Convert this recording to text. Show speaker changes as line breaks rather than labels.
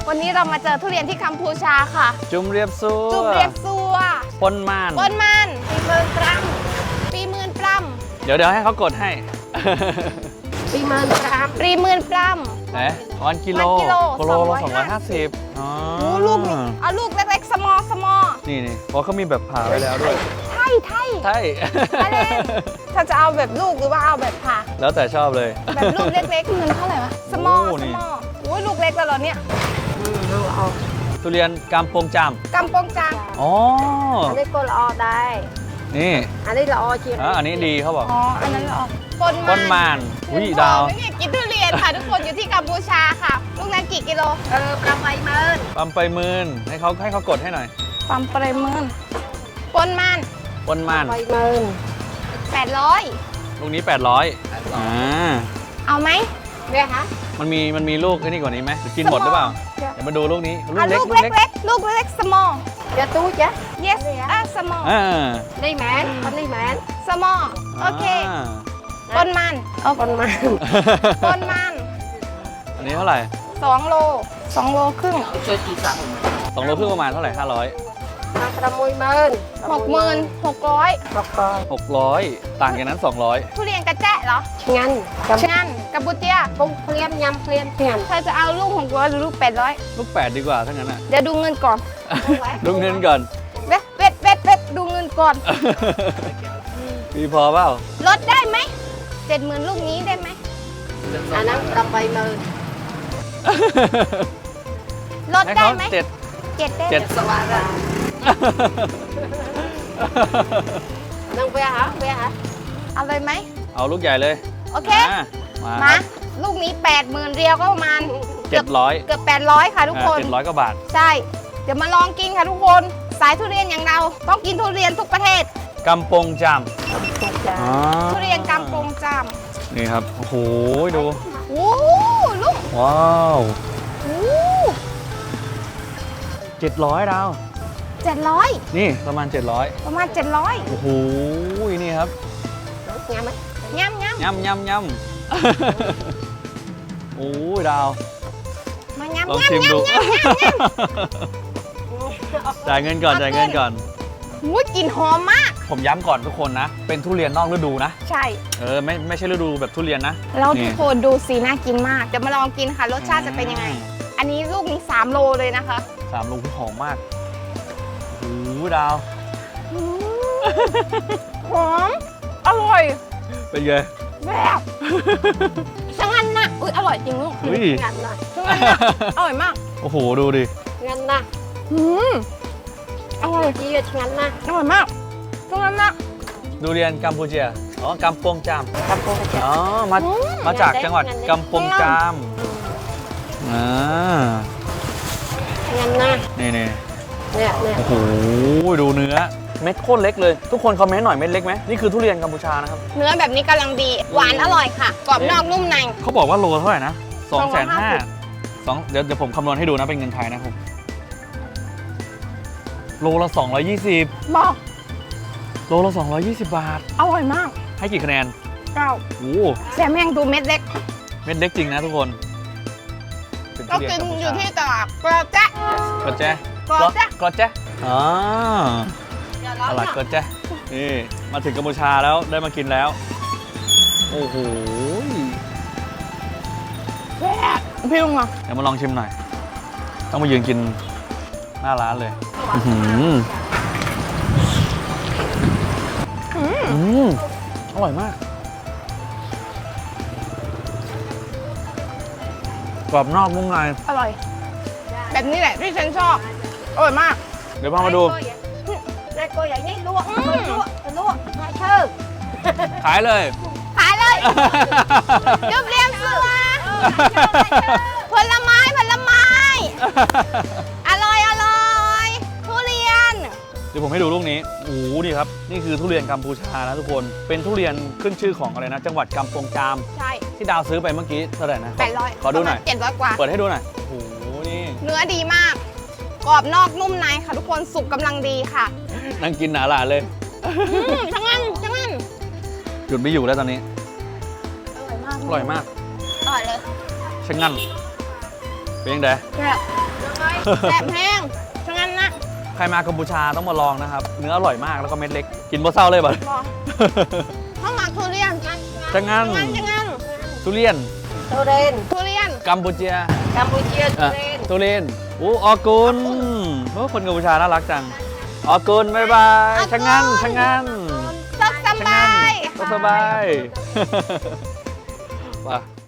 วันนี้เรามาเจอทุเรียนที่กัมพูชาค่ะ
จุ่มเรียบซัว
จุ่มเรียบซัว
ปนม่าน
ปนมันปีหมื่นปล้ำ
เดี๋ยวให้เขากดให้
ปีหมื่นปล้ำ
ไหนวันกิโล
วันกิโล
กิโลละ
250
250อ๋อ
โอ้ลูกนี่เอาลูกเล็กๆสมอ
นี่เพราะเขามีแบบผ่าไว้แล้วด้วย
ไทย
ใช่
มาเลยถ้าจะเอาแบบลูกหรือว่าเอาแบบผ่า
แล้วแต่ชอบเลย
แบบลูกเล็กๆเงินเท่าไหร่วะสมอ
โอ้นี่
โอ้ยลูกเล็กแล้วเหรอเนี่ย
ทุเรียนกำปงจาม
กำปงจาง
อ๋อ
อันนี้ก็ละออได้
นี่
อันนี้ละออจริง
อันนี้ดีเขาบอก
อ๋ออันนั้นเหรอปน
ปนม่านอุ้ยดาว
ไม่กินทุเรียนค่ะทุกคนอยู่ที่กัมพูชาค่ะ ลูกนั้นกี่กิโล
ประมาณเมิน
ปั๊มไปหมื่นให้เขากดให้หน่อย
ปั๊มปริมาณปนมัน
ปนม่าน
ไปเมิน
800
ลูกนี้800
เอาไหม
เรียกฮะ
มันมีลูกไอ้นี่กว่านี้ไหมหรือกินหมดหรือเปล่า เดี๋ยวมาดูลูกนี้
อ่ะลูกเล็กๆลูกเล็ก small
จะตู้จ้ะ
yes small
อ่า
นี่แมนคนนี้แมน
small โอเคปนมัน
คนมา
ปนมัน
อันนี้เท่าไหร่
2 โล 2 โลครึ่ง
2 โลครึ่งประมาณเท่าไหร่500
มาประมุยเมิน
66,600
บอกก่อน
600ต่างจากนั้น200
ทุเรียนกระแจะเหรอ
งั้นกับ
งั้นกับบุเตีย
ปุ้งเพลียมยำเพลียมเพียน
เธอจะเอาลูก600หรือลูก800
ลูก8ดีกว่าถ้างั้นอ่ะ
เดี๋ยวดูเงินก่อน
ดูเงินก่อน
เวทดูเงินก่อน
มีพอเปล่า
ลดได้ไหม70,000ลูกนี้ได้ไหม
อันนั้นประมาณเมิน
ลด
ให้
ได้
เขา
ไหม
7
7ได้ไหม
7
สวัสดิ์นั่งเวียฮะเวียฮะ
เอาเลยไหม
เอาลูกใหญ่เลย
โอเค
มา
มาลูกนี้ 80,000เรียวก็ประมาณเกือบ
700
800ค่ะทุกคน
700กว่าบาท
ใช่ เดี๋ยวมาลองกินค่ะทุกคน สายทุเรียนอย่างเรา ต้องกินทุเรียนทุกประเทศ
กำปงจาม
จ้ะ
ทุเรียนกำปงจาม
นี่ครับ โอ้โห ดู
โอ้ลูก
ว้าว
โอ้
700ดาว
700
นี่ประมาณ 700
ประมาณ 700
โอ้โห นี่ครับ
งามไหม
ย่ำ
ย่ำ โอ้ยดาว
มาย่ำ
ลองชิมดู จ่ายเงินก่อน
หูกลิ่นหอมมาก
ผมย้ำก่อนทุกคนนะ เป็นทุเรียนนอกฤดูนะ
ใช่
ไม่ใช่ฤดูแบบทุเรียนนะ
แล้วทุกคนดูสีน่ากินมากเดี๋ยวมาลองกินค่ะ รสชาติจะเป็นยังไง อันนี้ลูกนี้3 โลเลยนะคะ
3 โลหอมมาก โอ้โหดาว
หอม อร่อย
เป็นไง
แบบช่างอันนะอุ้ยอร่อยจริงลูก
อุ้ย
งานนะ
ช่างอันนะอร่อยมาก
โอ้โห ดูดิ
งานนะ
อืมอร่อย
จีดงานนะ
อร่อยมากช่างอันนะ
ดูเรียนกัมพูเชียอ๋อกำปงจาม
กำปงจ้ะ
อ๋อ มาจากจังหวัดกำปงจามอ่าง
านนะ
นี่
เนี่ย
โอ้โห ดูเนื้อ เม็ดโคตรเล็กเลย ทุกคนคอมเมนต์หน่อยเม็ดเล็กไหมนี่คือทุเรียนกัมพูชานะครับ
เนื้อแบบนี้กำลังดี หวานอร่อยค่ะ กรอบนอกนุ่มใน
เขาบอกว่าโลเท่าไหร่นะ
250
250,000เดี๋ยวผมคำนวณให้ดูนะเป็นเงินไทยนะครับโลละ220
บอก
โลละ220 บาท
อร่อยมาก
ให้กี่คะแนน
9
โอ้
แซมแห้งดูเม็ดเล็ก
เม็ดเล็กจริงนะทุกคนเป็น
ก็
ทุเรีย
กิน
กัมพู
อ
ชา
ยู่ที่ตลาดกระแจะ
กระแจ
กระแจะ
กระแจอ๋อตลาดกระแจนี่มาถึงกัมพูชาแล้วได้มากินแล้ว โอ้โห
พี่ลุงอ่ะ
เดี๋ยวมาลองชิมหน่อย ต้องมายืนกินหน้าร้านเลยอื้อหืออร่อยมาก กรอบนอกนุ่มใน
อร่อย แบบนี้แหละที่ฉันชอบ อร่อยมาก
เดี๋ยวพามาดู
นายโกอย่างนี้ลวกนายเชิญ
ขายเลย
ขายเลยจุบเรียมสัวผลไม้ อร่อยทุเรียน
เดี๋ยวผมให้ดูลูกนี้โอ้โหนี่ครับ นี่คือทุเรียนกัมพูชานะทุกคน เป็นทุเรียนขึ้นชื่อของอะไรนะ จังหวัดกำปงจาม
ใช่
ที่ดาวซื้อไปเมื่อกี้เท่าไหร่นะ
800
ขอดูหน่อย
700 กว่า
เปิดให้ดูหน่อย โอ้โห นี่
เนื้อดีมาก กรอบนอกนุ่มในค่ะทุกคน สุกกำลังดีค่ะ
นั่งกินหนาหลานเลย
ทั้งนั้น
หยุดไม่อยู่แล้วตอนนี้
อร่อยมาก
อร่อยมาก
อร่อยเลย
ช่างงั้นเป็นยังไง
แบบแซ่บแห้งฉะนั้นนะ
ใครมากัมพูชาต้องมาลองนะครับ เนื้ออร่อยมากแล้วก็เม็ดเล็ก กินบ่เศร้าเลยบ่
บอกข้าวหมากทุเรียน
จังงั้น
จังงั้น
ทุเรียน
ทุเรน
ทุเรียน
กัมพูเชีย
กัมพูเชียทุ
อ่ะ
เรน
ทุเรียนออกุนโอ้คนกัมพูชาน่ารักจังออกุนบ๊ายบายช่างงั้นช่างงั้น
สุขส
ช่าง
บา
งั้น
ย
ก็สบาย ไป